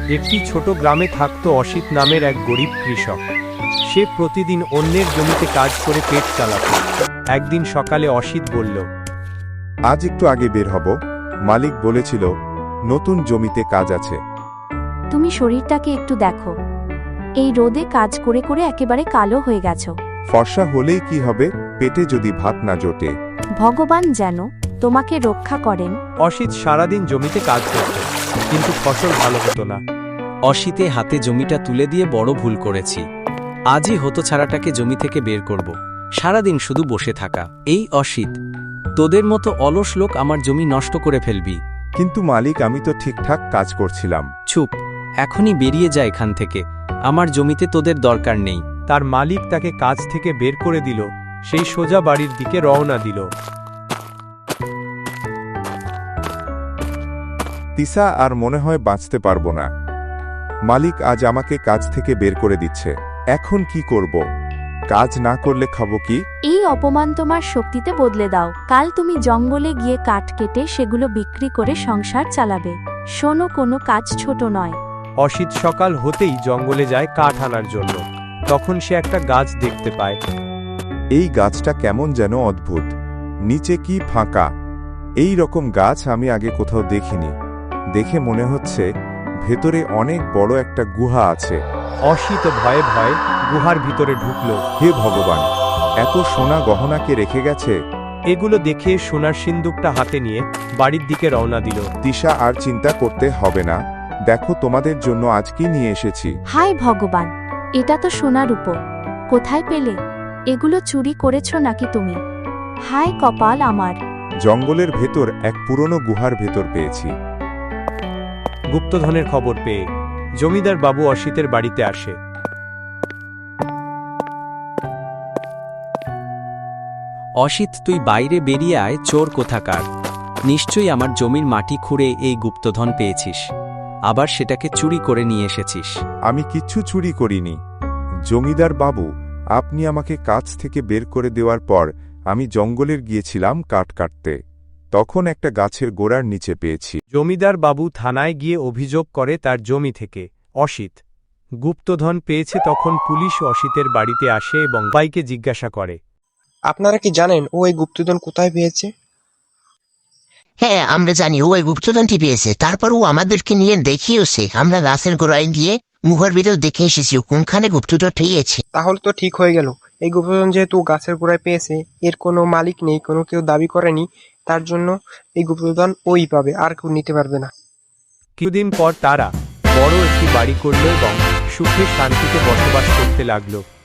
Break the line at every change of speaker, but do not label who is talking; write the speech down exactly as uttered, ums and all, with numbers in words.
একটি ছোট গ্রামে থাকত অসিত নামের এক গরিব কৃষক। সে প্রতিদিন অন্যের জমিতে কাজ করে পেট চালাত। একদিন সকালে অসিত বলল,
আজ একটু আগে বের হব, মালিক বলেছিল নতুন জমিতে কাজ আছে।
তুমি শরীরটাকে একটু দেখো, এই রোদে কাজ করে করে একেবারে কালো হয়ে গেছো।
ফর্সা হলেই কি হবে, পেটে যদি ভাত না জোটে।
ভগবান যেন তোমাকে রক্ষা করেন।
অসিত সারাদিন জমিতে কাজ করত, কিন্তু ফসল ভালো হতো না।
অসিতে হাতে জমিটা তুলে দিয়ে বড় ভুল করেছি। আজই হতছাড়াটাকে জমি থেকে বের করব। সারাদিন শুধু বসে থাকা। এই অসিত, তোদের মতো অলস লোক আমার জমি নষ্ট করে ফেলবি।
কিন্তু মালিক, আমি তো ঠিকঠাক কাজ করছিলাম।
চুপ, এখনই বেরিয়ে যা এখান থেকে। আমার জমিতে তোদের দরকার নেই।
তার মালিক তাকে কাজ থেকে বের করে দিল। সেই সোজা বাড়ির দিকে রওনা দিল।
তিসা আর মনে হয় বাঁচতে পারবো না। মালিক আজ আমাকে কাজ থেকে বের করে দিচ্ছে। এখন কি করব? কাজ না করলে খাবো কি?
এই অপমান তোমার শক্তিতে বদলে দাও। কাল তুমি জঙ্গলে গিয়ে কাঠ কেটে সেগুলো বিক্রি করে সংসার চালাবে। শোনো, কোনো কাজ ছোট নয়।
অসিত সকাল হতেই জঙ্গলে যায় কাঠ আনার জন্য। তখন সে একটা গাছ দেখতে পায়।
এই গাছটা কেমন যেন অদ্ভুত, নিচে কি ফাঁকা। এই রকম গাছ আমি আগে কোথাও দেখিনি। দেখে মনে হচ্ছে ভেতরে অনেক বড় একটা গুহা আছে।
অসিত ভয়ে ভয়ে গুহার ভিতরে ঢুকল।
হে ভগবান, এত সোনা গহনা কে রেখে গেছে?
এগুলো দেখে সোনার সিন্দুকটা হাতে নিয়ে বাড়ির দিকে রওনা দিল।
তিসা, আর চিন্তা করতে হবে না। দেখো, তোমাদের জন্য আজ কি নিয়ে এসেছি।
হায় ভগবান, এটা তো সোনার উপর। কোথায় পেলে? এগুলো চুরি করেছ নাকি তুমি? হায় কপাল আমার।
জঙ্গলের ভেতর এক পুরনো গুহার ভেতর পেয়েছি।
গুপ্তধনের খবর পেয়ে জমিদার বাবু অসিতের বাড়িতে আসে।
অসিত, তুই বাইরে বেরিয়ে আয়, চোর কোথাকার। নিশ্চয়ই আমার জমির মাটি খুঁড়ে এই গুপ্তধন পেয়েছিস, আবার সেটাকে চুরি করে নিয়ে এসেছিস।
আমি কিচ্ছু চুরি করিনি। জমিদার বাবু, আপনি আমাকে কাজ থেকে বের করে দেওয়ার পর আমি জঙ্গলের গিয়েছিলাম কাঠ কাটতে। তখন একটা গাছের গোড়ার নিচে পেয়েছি।
জমিদার বাবু থানায় গিয়ে অভিযোগ করে তার জমি থেকে অসিত গুপ্তধন পেয়েছে। তখন পুলিশ অসিতের বাড়িতে আসে এবং ভাইকে জিজ্ঞাসা করে,
আপনারা কি জানেন ও এই গুপ্তধন কোথায় পেয়েছে?
হ্যাঁ, আমরা জানি ও এই গুপ্তধনটি পেয়েছে। তারপর ও আমাদেরকে নিয়ে দেখিয়েছে। আমরা গাছের গোড়ায় গিয়ে মুখের ভিতর দেখে এসেছি কোনখানে গুপ্তধন পেয়েছে।
তাহলে তো ঠিক হয়ে গেল। এই গুপ্তধন যেহেতু গাছের গোড়ায় পেয়েছে, এর কোনো মালিক নেই, কোনো কেউ দাবি করেনি, তার জন্য এই গুপ্তধন ওই পাবে, আর কেউ নিতে পারবে না।
কিছুদিন পর তারা বড় একটি বাড়ি করল এবং সুখে শান্তিতে বসবাস করতে লাগলো।